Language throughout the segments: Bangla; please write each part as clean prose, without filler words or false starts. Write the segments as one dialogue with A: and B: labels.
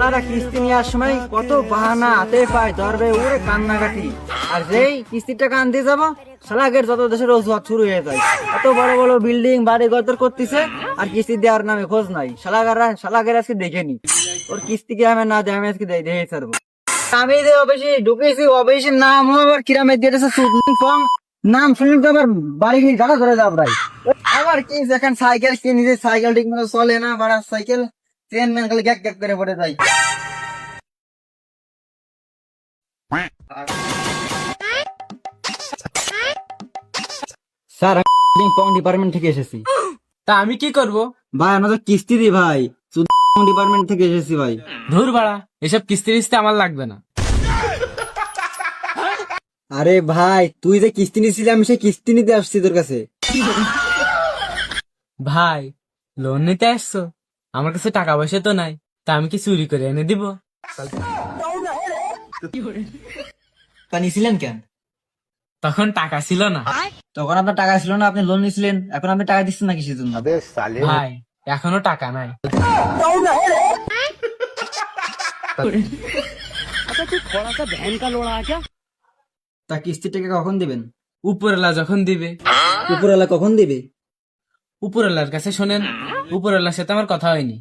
A: শালারা কিস্তি নেওয়ার সময় কত বাহানা হাতে পায় ধরবে ওরে কান্নাকাটি। আর যেই কিস্তির টাকা আনতে যাবো শালাগের যত দেশের অজুহাত শুরু হয়ে যায়। এত বড় বড় বিল্ডিং বাড়ি গদর করতেছে আর কিস্তি দেওয়ার নামে খোঁজ নাই। শালাগের আজকে দেখেনি ওর কিস্তি কি আমি না দেয়, আমি আজকে দেখে ছাড়বো। আমি যে অফিসে ঢুকেছি অফিসের নাম আবার কিরামে দিয়েছে ফং, নাম শুনে তো আবার বাড়ি গিয়ে গাড়া ধরে যাবো ভাই। আবার কি এখন সাইকেল কিনেছে, সাইকেল ঠিক মতো চলে না, বাড়া সাইকেল চেন ম্যান খালি গ্যাক গ্যাক করে পড়ে যায়। স্যার আমি পং ডিপার্টমেন্ট থেকে এসেছি।
B: তা আমি কি করব?
A: ভাই আমরা তো কিস্তি দিই ভাই, ডিপার্টমেন্ট থেকে এসেছি ভাই।
B: ধুর বাড়া, এসব কিস্তি টিস্তি আমার লাগবে না।
A: আরে ভাই তুই যে কিস্তি নিছিলি আমি সেই কিস্তি নিতে আসছি তোর কাছে।
B: ভাই লোন নিতে আসছো, আমার কাছে টাকা পয়সা তো নাই, তা আমি কি চুরি করে এনে দিব?
A: তা নিছিলেন কেন?
B: তখন টাকা ছিল না।
A: তখন আপনার টাকা ছিল না, আপনি লোন নিছিলেন, এখন আপনি টাকা দিচ্ছেন না কিসের জন্য?
B: ভাই এখনো টাকা নাই।
A: তা কিস্তির টাকা কখন দিবেন?
B: উপরওয়ালা যখন দিবে।
A: উপরওয়ালা কখন দিবে?
B: উপরওয়ালার কাছে শোনেন, উপরওয়ালার সাথে আমার কথা হয়নি।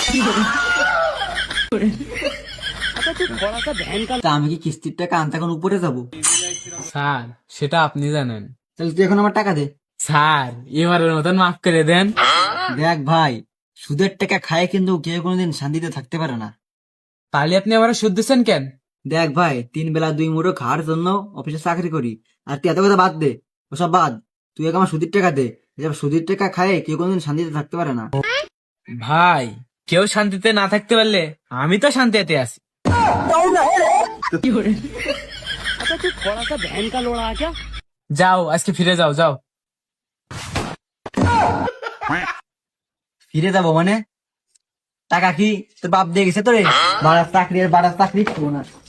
A: তা আমি কি কিস্তির টাকা আনতে এখন উপরে যাবো?
B: স্যার সেটা আপনি জানেন।
A: তাহলে তুই এখন আমার টাকা দে।
B: স্যার এবারের মতন মাফ করে দেন।
A: দেখ ভাই, সুদের টাকা খায় কিন্তু কেউ কোনোদিন শান্তিতে থাকতে পারে না।
B: তাহলে আপনি আমার সুদ দিচ্ছেন কেন?
A: দেখ ভাই, 3 বেলা 2 মুঠো খাওয়ার জন্য অফিসে চাকরি করি, আর তুই এত কথা বাদ দে, ওসব বাদ। তুই এখন আমার সুদের টাকা দে। এসব সুদের টাকা খায় কেউ কোনোদিন শান্তিতে থাকতে পারে না।
B: ভাই কেউ শান্তিতে না থাকতে পারলে আমি তো শান্তিতে আছি। যাও আজকে ফিরে যাও, যাও।
A: ফিরে যাবো মানে? টাকা কি তোর বাপ দিয়ে গেছে তোরে? বাড়ার চাকরি আর বাড়ার চাকরি করবো না।